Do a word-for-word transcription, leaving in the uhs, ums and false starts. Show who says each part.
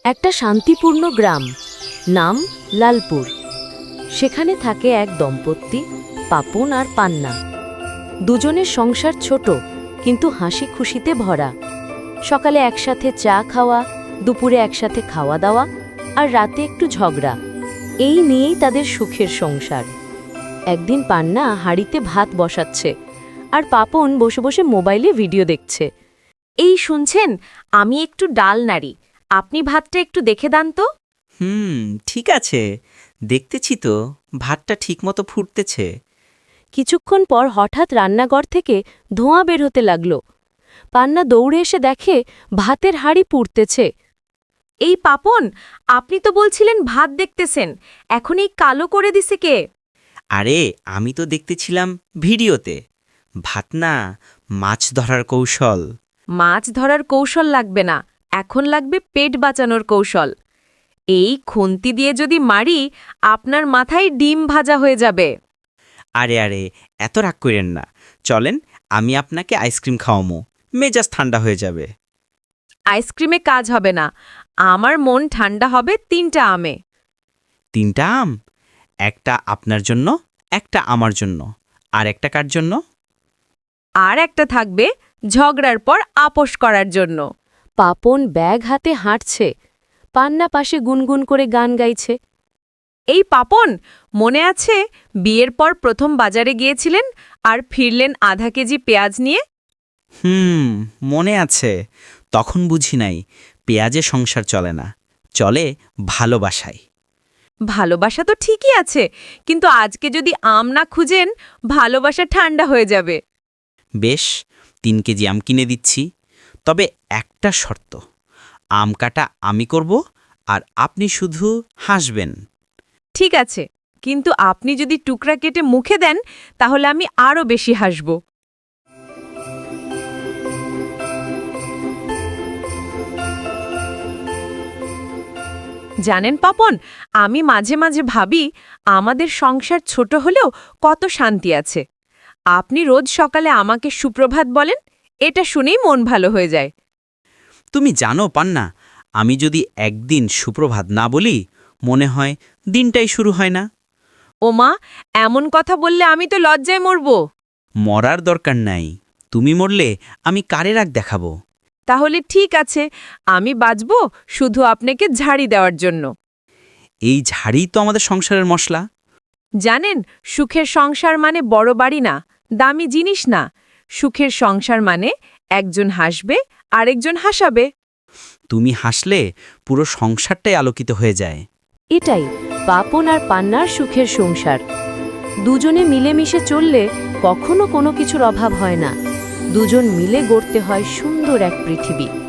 Speaker 1: একটা শান্তিপূর্ণ গ্রাম, নাম লালপুর। সেখানে থাকে এক দম্পতি, পাপন আর পান্না। দুজনের সংসার ছোট, কিন্তু হাসি খুশিতে ভরা। সকালে একসাথে চা খাওয়া, দুপুরে একসাথে খাওয়া দাওয়া, আর রাতে একটু ঝগড়া। এই নিয়েই তাদের সুখের সংসার। একদিন পান্না হাঁড়িতে ভাত বসাচ্ছে, আর পাপন বসে বসে মোবাইলে ভিডিও দেখছে।
Speaker 2: এই শুনছেন, আমি একটু ডাল নাড়ি, আপনি ভাতটা একটু দেখে দেন তো।
Speaker 3: হুম ঠিক আছে, দেখতেছি তো ভাতটা ঠিকমতো ফুটতেছে।
Speaker 1: কিছুক্ষণ পর হঠাৎ রান্নাঘর থেকে ধোঁয়া বের হতে লাগল। পান্না দৌড়ে এসে দেখে ভাতের হাঁড়ি পুড়তেছে।
Speaker 2: এই পাপন, আপনি তো বলছিলেন ভাত দেখতেছেন, এখন এই কালো করে দিছে কে?
Speaker 3: আরে আমি তো দেখতেছিলাম ভিডিওতে। ভাত না, মাছ ধরার কৌশল।
Speaker 2: মাছ ধরার কৌশল লাগবে না, এখন লাগবে পেট বাঁচানোর কৌশল। এই খুন্তি দিয়ে যদি মারি, আপনার মাথায় ডিম ভাজা হয়ে যাবে।
Speaker 3: আরে আরে এত রাগ করেন না, চলেন আমি আপনাকে আইসক্রিম খাওয়ামো, মেজাজ ঠান্ডা হয়ে যাবে।
Speaker 2: আইসক্রিমে কাজ হবে না, আমার মন ঠান্ডা হবে তিনটা আমে।
Speaker 3: তিনটা আম? একটা আপনার জন্য, একটা আমার জন্য, আর একটা কার জন্য?
Speaker 2: আর একটা থাকবে ঝগড়ার পর আপোষ করার জন্য।
Speaker 1: পাপন ব্যাগ হাতে হাঁটছে, পান্না পাশে গুনগুন করে গান গাইছে।
Speaker 2: এই পাপন, মনে আছে বিয়ের পর প্রথম বাজারে গিয়েছিলেন আর ফিরলেন আধা কেজি পেঁয়াজ নিয়ে?
Speaker 3: হুম মনে আছে, তখন বুঝি নাই পেঁয়াজে সংসার চলে না, চলে ভালোবাসায়।
Speaker 2: ভালোবাসা তো ঠিকই আছে, কিন্তু আজকে যদি আম না খুঁজেন, ভালোবাসা ঠান্ডা হয়ে যাবে।
Speaker 3: বেশ, তিন কেজি আম কিনে দিচ্ছি, তবে একটা শর্ত, আম কাটা আমি করব আর আপনি শুধু হাসবেন।
Speaker 2: ঠিক আছে, কিন্তু আপনি যদি টুকরা কেটে মুখে দেন, তাহলে আমি আরও বেশি হাসব। জানেন পাপন, আমি মাঝে মাঝে ভাবি আমাদের সংসার ছোট হলেও কত শান্তি আছে। আপনি রোজ সকালে আমাকে সুপ্রভাত বলেন, এটা শুনেই মন ভালো হয়ে যায়।
Speaker 3: তুমি জানো পান্না, আমি যদি একদিন সুপ্রভাত না বলি, মনে হয় দিনটাই শুরু হয় না।
Speaker 2: ওমা, এমন কথা বললে আমি তো লজ্জায় মরব।
Speaker 3: মরার দরকার নাই, তুমি মরলে আমি কারে রাগ দেখাবো।
Speaker 2: তাহলে ঠিক আছে, আমি বাঁচব শুধু আপনাকে ঝাড়ি দেওয়ার জন্য।
Speaker 3: এই ঝাড়ি তো আমাদের সংসারের মশলা।
Speaker 2: জানেন, সুখের সংসার মানে বড় বাড়ি না, দামি জিনিস না। সুখের সংসার মানে একজন হাসবে আরেকজন হাসাবে।
Speaker 3: তুমি হাসলে পুরো সংসারটাই আলোকিত হয়ে যায়।
Speaker 1: এটাই পাপন আর পান্নার সুখের সংসার। দুজনে মিলেমিশে চললে কখনো কোনো কিছুর অভাব হয় না। দুজন মিলে গড়তে হয় সুন্দর এক পৃথিবী।